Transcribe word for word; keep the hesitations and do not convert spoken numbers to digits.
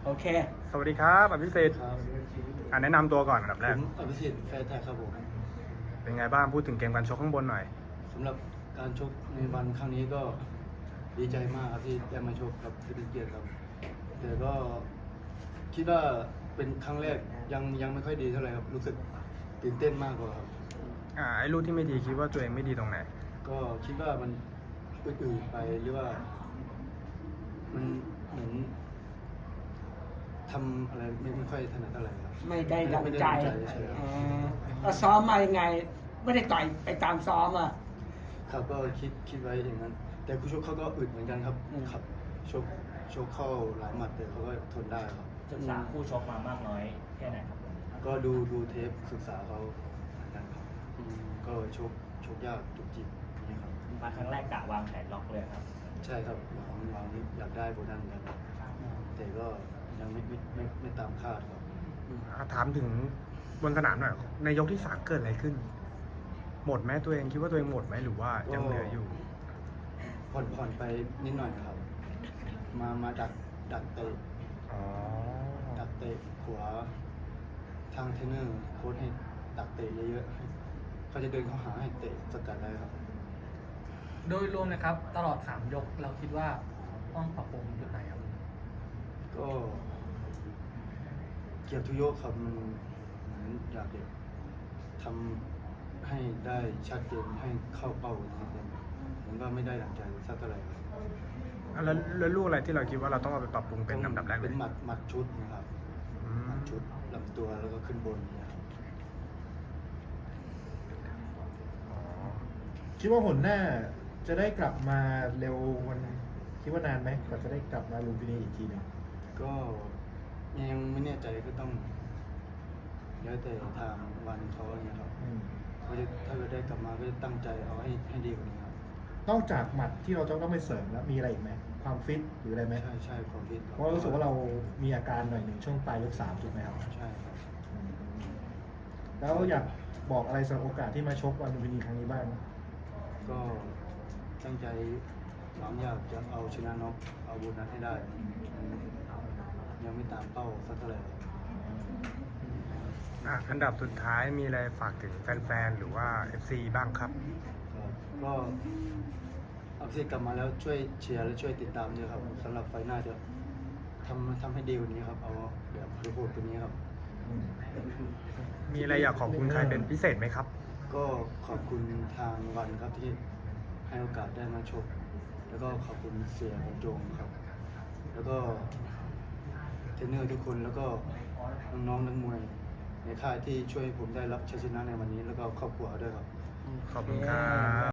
โอเคสวัสดีครับอภิสิทธิ์ครับอ่าแนะนำตัวก่อนอันดับแรผกมอภิสิทธิ์แฟร์แท็กครับผมเป็นไงบ้างพูดถึงเกมการชกข้างบนหน่อยสำหรับการชกในวันครั้งนี้ก็ดีใจมากครับที่ได้มาชกกับเพชรเกียรติครับแต่ก็คิดว่าเป็นครั้งแรกยังยังไม่ค่อยดีเท่าไหร่ครับรู้สึกตื่นเต้นมากกว่าครับอ่าไอ้ลูกที่ไม่ดีคิดว่าตัวเองไม่ดีตรงไหนก็คิดว่ามันอืดๆไปหรือว่า มันเหมือนทำอะไรไม่ไม่ค่อยถนัดอะไรครับไม่ได้ดังใจไม่ได้ดังใจใช่ครับอ๋อแล้วซ้อมมายังไง ไม่ได้ต่อยไปตามซ้อมอ่ะครับก็คิดคิดไว้อย่างนั้น แต่คู่ชกเขาก็อึดเหมือนกันครับอืมครับชกชกเข้าหลายหมัดแต่เขาก็ทนได้ครับศึกษาคู่ชกมามากน้อยแค่ไหนครับก็ดูดูเทปศึกษาเขาเหมือนกันครับก็ชกชกยากจุกจิกนี่ครับมาครั้งแรกกะวางแผนล็อกเลยครับใช่ครับหวังหวังอยากได้โบนัสเหมือนกันครับแต่ก็ยังไม่ไม่ไม่ไม่ตามคาดครับอ่าถามถึงบนสนามหน่อยในยกที่สามเกิดอะไรขึ้น หมดไหมตัวเองคิดว่าตัวเองหมดไหมหรือว่ายังเหลืออยู่ผ่อนผ่อนไปนิดหน่อยครับ มามาดักดักเตะอ๋อดักเตะขวาทางเทรนเนอร์โค้ชให้ดักเตะเยอะๆให้เขาจะเดินเข้าหาให้เตะสกัดได้ครับโดยรวมนะครับตลอดสามยกเราคิดว่าต้องปรับปรุงจุดไหนครับก็เกียรติทุกยกครับมันเหมือนอยากจะทำให้ได้ชัดเจนให้เข้าเป้านิดนึงเหมือนว่าไม่ได้หลังใจสักเท่าไหร่ครับอ่ะแล้วแล้วลูกอะไรที่เราคิดว่าเราต้องเอาไปปรับปรุงเป็นลำดับแรกเลเป็ยนหมัดหมัดชุดนะครับอืหมัมดชุดลำตัวแล้วก็ขึ้นบนเนี่ยครับอ๋อคิดว่าหนหน้าจะได้กลับมาเร็ววันคิดว่านานไหมกว่าจะได้กลับมาลุมพินีอีกทีหนึงก็ยังไม่แน่ใจก็ต้องแล้วแต่ทางวันเขาอย่างเงี้ยครับอืมเขาจะถ้าเราได้กลับมาก็จะตั้งใจเอาให้ให้ดีกว่านี้ครับนอกจากหมัดที่เราจะต้องไปเสริมแล้วมีอะไรอีกไหมความฟิตหรืออะไรไหมใช่ใช่ความฟิตเพราะรู้สึกว่าเรามีอาการหน่อยหนึ่งช่วงปลายยกสามถูกไหมครับใช่ครับอืมแล้วอยากบอกอะไรสำหรับโอกาสที่มาชกวันลุมพินีครั้งนี้บ้างก็ตั้งใจหวังอยากจะเอาชนะน็อกเอาโบนัสให้ได้ยังไม่ตามเป้าสักเท่าไหร่ครับอ่ะอันดับสุดท้ายมีอะไรฝากถึงแฟนๆหรือว่า เอฟ ซี บ้างครับครับก็เอาที่กลับมาแล้วช่วยเชียร์และช่วยติดตามด้วยครับสำหรับไฟล์หน้าจะทำทำให้ดีกว่านี้ครับ เอาแบบโหดๆตัวนี้ครับอืมมีอะไรอยากขอบคุณใครเป็นพิเศษไหมครับก็ขอบคุณทางวันครับที่ให้โอกาสได้มาชกแล้วก็ขอบคุณเสียบรรจงครับ แล้วก็เทรนเนอร์ทุกคนแล้วก็น้องๆนักมวยในค่ายที่ช่วยผมได้รับชัยชนะในวันนี้ แล้วก็ครอบครัวด้วยครับขอบคุณครับ